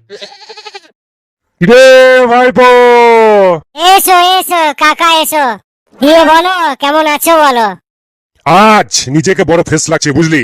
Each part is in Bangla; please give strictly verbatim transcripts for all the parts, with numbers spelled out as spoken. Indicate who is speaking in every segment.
Speaker 1: রে ভাইপো,
Speaker 2: এসো এসো কাকা এসো, দিয়ে বলো কেমন আছো বলো।
Speaker 1: আজ নিজেকে বড় ফ্রেশ লাগছে বুঝলি।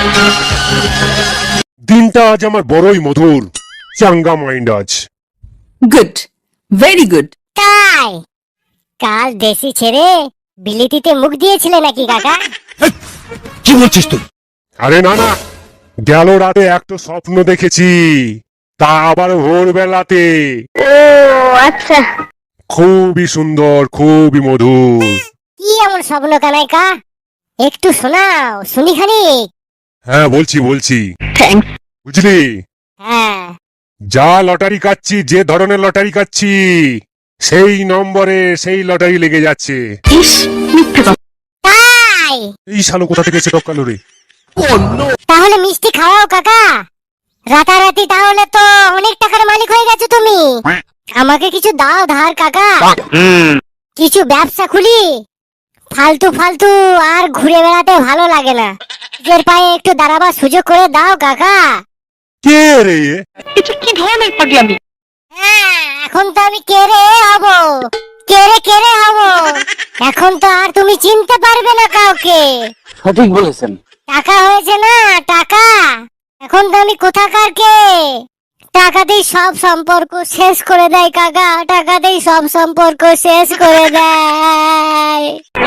Speaker 1: দিনটা আজ আমার বড়ই মধুর, চাঙ্গা মাইন্ড আজ।
Speaker 3: Good, very good.
Speaker 2: তাই কাল দেশি ছেড়ে বিলিতিতে মুখ দিয়েছিলে নাকি কাকা?
Speaker 4: কি বলছিস তুই?
Speaker 1: আরে না না, গেল রাতে একটা স্বপ্ন দেখেছি, তা আবার ভোরবেলাতে।
Speaker 2: ও আচ্ছা,
Speaker 1: খুবই সুন্দর, খুবই মধুর।
Speaker 2: কি এমন স্বপ্ন কানাইকা, একটু শোনাও শুনি খানিক।
Speaker 1: হ্যাঁ বলছি বলছি,
Speaker 3: থ্যাঙ্কস।
Speaker 1: বুঝলি,
Speaker 2: হ্যাঁ
Speaker 1: যা লটারি কাটছি, যে ধরনের লটারি কাটছি, সেই নম্বরে সেই লটারি লেগে যাচ্ছে।
Speaker 3: ইস, মিথ্যে কথা।
Speaker 2: তাই
Speaker 1: এই শালো কোথা থেকে এসে টপকালো রে?
Speaker 2: তাহলে মিষ্টি খাওয়াও কাকা, রাতারাতি তাহলে তো অনেক টাকার মালিক হয়ে গেছো তুমি। আমাকে কিছু দাও ধার কাকা, কিছু ব্যবসা খুলি। ফালতু ফালতু আর ঘুরে বেড়াতে ভালো লাগে না, নিজের পায়ে একটু দাঁড়াবার সুযোগ করে দাও কাকা।
Speaker 1: কে রে?
Speaker 3: এটা কি ধরনের পাগলামি?
Speaker 2: হ্যাঁ এখন তো আমি কেড়ে হব, কেড়ে কেড়ে হব। এখন তো আর তুমি চিনতে পারবে না কাউকে।
Speaker 4: সঠিক বলেছেন।
Speaker 2: টাকা হয়েছে না টাকা, এখন তো আমি কোথাকার কে। টাকাতেই সব সম্পর্ক শেষ করে দেয় কাকা, টাকাতেই সব সম্পর্ক শেষ করে দেয়।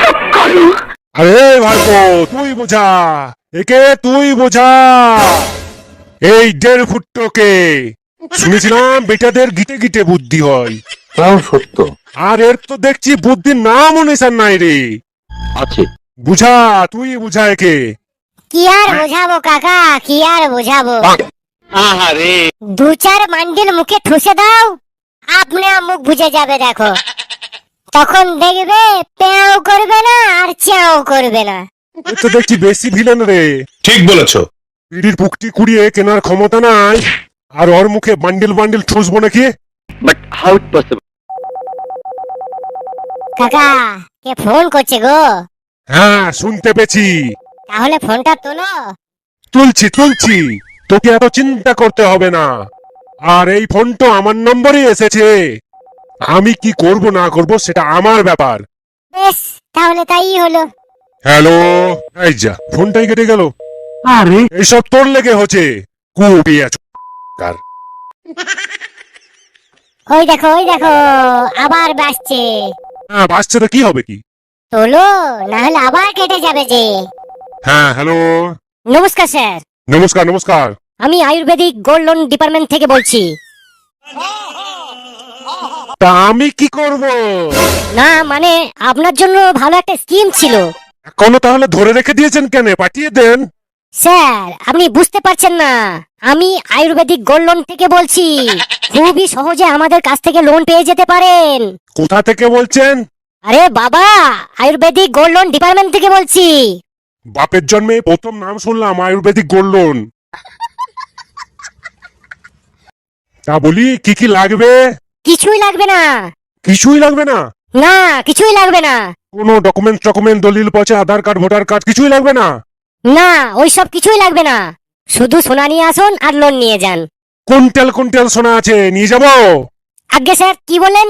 Speaker 1: আরে ভাইপো, তুই বোঝা একে, তুই বোঝা এই দেড় ফুটকে। শুনেছিলাম বেটাদের গিটে গিটে বুদ্ধি হয়,
Speaker 4: তাও সত্য
Speaker 1: আর এর তো দেখছি বুদ্ধির নাম নিশান নাই রে।
Speaker 4: আছে।
Speaker 1: বুঝা, তুই বুঝা একে।
Speaker 2: কি আর বোঝাবো কাকা, কি আর বোঝাবো। দু চার মান্ডিল মুখে ঠুসে দাও, আপনি মুখ বুঝে যাবে দেখো। তখন দেখবে পেঁয়াও করবে না আর চাও করবে না।
Speaker 1: এ তো দেখছি বেশি ভিলেন রে।
Speaker 4: ঠিক বলেছো।
Speaker 1: পিড়ির পুকটি কুড়িয়ে কেনার ক্ষমতা নাই, আর ওর মুখে বান্ডিল বান্ডিল ঠুসবো নাকি?
Speaker 4: But how it possible?
Speaker 2: কাকা কে ফোন করছে গো?
Speaker 1: হ্যাঁ শুনতে পেছি।
Speaker 2: তাহলে ফোনটা তোলো।
Speaker 1: তুলছি তুলছি, তোকে এত চিন্তা করতে হবে না। আর এই ফোন তো আমার নম্বরে এসেছে, আমি কি করব না করব সেটা আমার ব্যাপার।
Speaker 2: বেশ তাহলে তাই হলো।
Speaker 1: হ্যালো, এই যা ফোনটাই কেটে গেল।
Speaker 4: আরে
Speaker 1: এইসব তোর লেগে হচ্ছে, কুটি আছো কার।
Speaker 2: ওই দেখো ওই দেখো আবার বাসছে।
Speaker 1: হ্যাঁ বাসছে তো কি হবে কি?
Speaker 2: তোলো না হলে আবার কেটে যাবে যে।
Speaker 1: হ্যাঁ হ্যালো,
Speaker 2: নমস্কার স্যার,
Speaker 1: নমস্কার নমস্কার।
Speaker 2: আমি আয়ুর্বেদিক গোল্ড লোন ডিপার্টমেন্ট থেকে বলছি।
Speaker 1: তা আমি কি করব?
Speaker 2: না মানে আপনার জন্য ভালো একটা স্কিম ছিল।
Speaker 1: এখনো তাহলে ধরে রেখে দিয়েছেন কেন? পাঠিয়ে দেন।
Speaker 2: স্যার আপনি বুঝতে পারছেন না, আমি আয়ুর্বেদিক গোল্ড লোন থেকে বলছি। খুবই সহজে আমাদের কাছ থেকে লোন পেয়ে যেতে পারেন।
Speaker 1: কোথা থেকে বলছেন?
Speaker 2: আরে বাবা, আয়ুর্বেদিক গোল্ড লোন ডিপার্টমেন্ট থেকে বলছি।
Speaker 1: বাপের জন্মে প্রথম নাম শুনলাম আয়ুর্বেদিক গোল্ড লোন। তা বলি কি কি লাগবে?
Speaker 2: কিছুই লাগবে না।
Speaker 1: কিছুই লাগবে না?
Speaker 2: না কিছুই লাগবে না।
Speaker 1: কোনো ডকুমেন্ট ডকুমেন্ট দলিল পয়সা আধার কার্ড ভোটার কার্ড কিছুই লাগবে না?
Speaker 2: না ওইসব কিছুই লাগবে না, শুধু সোনা নিয়ে আসুন আর লোন নিয়ে যান।
Speaker 1: কুইন্টাল কুইন্টাল সোনা আছে, নিয়ে যাব?
Speaker 2: আজ্ঞে স্যার কি বলেন?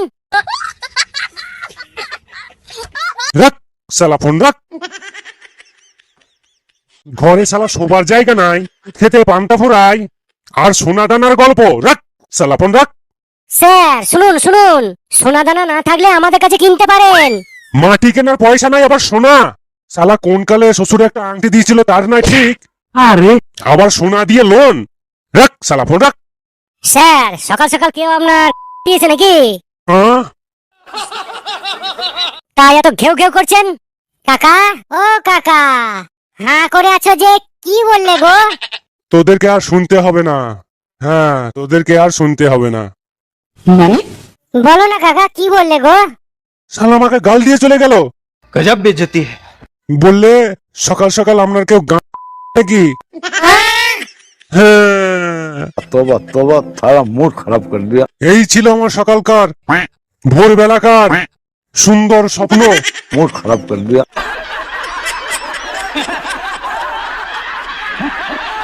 Speaker 1: রাখ শালা ফোন রাখ। ঘরে শালা শোবার জায়গা নাই, খেতে পান্তা ফুরাই, আর সোনা দানার গল্প। রাখ শালা ফোন রাখ।
Speaker 2: স্যার শুনুন শুনুন, সোনা দানা না থাকলে আমাদের কাছে কিনতে পারেন।
Speaker 1: মাটি কেনার পয়সা নাই আবার সোনা? শালা কোন কালে শ্বশুর একটা আংটি দিয়েছিল তার নাই ঠিক,
Speaker 4: আরে
Speaker 1: আবার সোনা দিয়ে লোন? রাখ শালা ফোন রাখ।
Speaker 2: স্যার সকাল সকাল কেউ আপনার দিয়েছে নাকি?
Speaker 1: হ্যাঁ
Speaker 2: তাই এত ঘেউ ঘেউ করছেন? কাকা ও কাকা, হ্যাঁ করে আছো যে, কি বললে গো?
Speaker 1: তোদেরকে আর শুনতে হবে না। হ্যাঁ তোদেরকে আর শুনতে হবে না।
Speaker 3: মানে
Speaker 2: বলো না কাকা কি বললে গো?
Speaker 1: শালা আমাকে গাল দিয়ে চলে গেল।
Speaker 4: গজব বেজতি।
Speaker 1: বললে সকাল সকাল আপনার কেউ গান নাকি? হ্যাঁ
Speaker 4: तौबा तौबा, सारा मूड खराब कर दिया।
Speaker 1: এই ছিল আমার সকালকার ভোরবেলাকার সুন্দর স্বপ্ন।
Speaker 4: मूड खराब कर दिया।